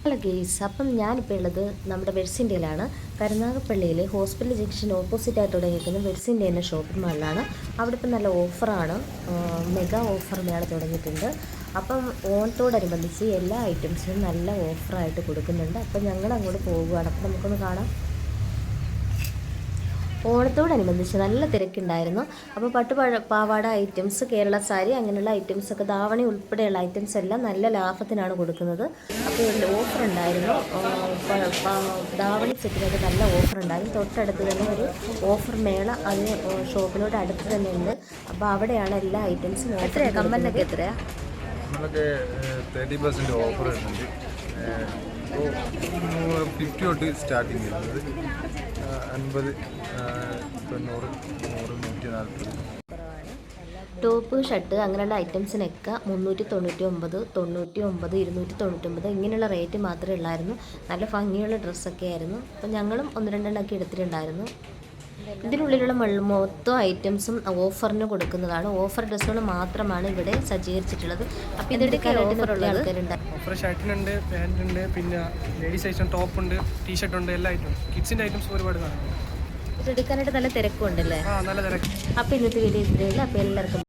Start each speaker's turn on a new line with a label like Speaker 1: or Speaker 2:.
Speaker 1: Hello guys, അപ്പം ഞാനിപ്പോൾ ഉള്ളത് നമ്മുടെ വെഡ്സിൻ്റെയിലാണ്. കരുനാഗപ്പള്ളിയിൽ ഹോസ്പിറ്റൽ ജംഗ്ഷൻ ഓപ്പോസിറ്റായിട്ട് തുടങ്ങിയിരിക്കുന്ന വെഡ്സിൻ്റെ എന്ന ഷോപ്പിംഗ് മാളിലാണ്. അവിടെ ഇപ്പം നല്ല ഓഫറാണ്, മെഗാ ഓഫർ മേള തുടങ്ങിയിട്ടുണ്ട്. അപ്പം ഓണത്തോടനുബന്ധിച്ച് എല്ലാ ഐറ്റംസിനും നല്ല ഓഫറായിട്ട് കൊടുക്കുന്നുണ്ട്. അപ്പം ഞങ്ങൾ അങ്ങോട്ട് പോവുകയാണ്. അപ്പം നമുക്കൊന്ന് കാണാം. ഓണത്തോടനുബന്ധിച്ച് നല്ല തിരക്കുണ്ടായിരുന്നു. അപ്പോൾ പാവാട ഐറ്റംസ്, കേരള സാരി, അങ്ങനെയുള്ള ഐറ്റംസൊക്കെ, ധാവണി ഉൾപ്പെടെയുള്ള ഐറ്റംസ് എല്ലാം നല്ല ലാഭത്തിനാണ് കൊടുക്കുന്നത്. അപ്പോൾ ഒരു ഓഫർ ഉണ്ടായിരുന്നു, ധാവണി സെറ്റിനൊക്കെ നല്ല ഓഫർ ഉണ്ടായിരുന്നു. തൊട്ടടുത്ത് തന്നെ ഒരു ഓഫർ മേള അതിന് ഷോപ്പിനോട് അടുത്ത് തന്നെ ഉണ്ട്. അപ്പോൾ അവിടെയാണ് എല്ലാ ഐറ്റംസും. എത്രയാണ് കമ്മലിനൊക്കെ? എത്രയാണ്?
Speaker 2: നമ്മളൊക്കെ 30% ഓഫർ വരുന്നുണ്ട്. 50 തൊട്ട് സ്റ്റാർട്ടിങ് വരുന്നത് 50, 90, 100, 140.
Speaker 1: ടോപ്പ്, ഷർട്ട് അങ്ങനെയുള്ള ഐറ്റംസിനൊക്കെ 399, 99, 299 ഇങ്ങനെയുള്ള റേറ്റ് മാത്രമേ ഉള്ളായിരുന്നു. നല്ല ഭംഗിയുള്ള ഡ്രസ്സൊക്കെ ആയിരുന്നു. അപ്പം ഞങ്ങളും 1-2 എടുത്തിട്ടുണ്ടായിരുന്നു. ഇതിനുള്ളിലുള്ള മൊത്തം ഐറ്റംസും ഓഫറിന് കൊടുക്കുന്നതാണ്. ഓഫർ ഡ്രസ്സുകൾ മാത്രമാണ് ഇവിടെ സജ്ജീകരിച്ചിട്ടുള്ളത്. അപ്പോൾ ഇതെടുക്കാനായിട്ട് ആൾക്കാരുണ്ട്.
Speaker 3: ഓഫർ ഷർട്ടിനുണ്ട്, പാൻറ്റുണ്ട്, പിന്നെ ലേഡീസ് ഐറ്റം ടോപ്പുണ്ട്, ടീഷർട്ട് ഉണ്ട്, എല്ലാ ഐറ്റം കിഡ്സിൻ്റെ ഐറ്റംസ് ഒരുപാട് കാണും.
Speaker 1: ഇതെടുക്കാനായിട്ട് നല്ല തിരക്കുണ്ടല്ലേ?
Speaker 3: നല്ല തിരക്ക്.
Speaker 1: അപ്പോൾ ഇന്നത്തെ വീഡിയോ ഇത്രയേ ഉള്ളൂ. അപ്പോൾ എല്ലാവർക്കും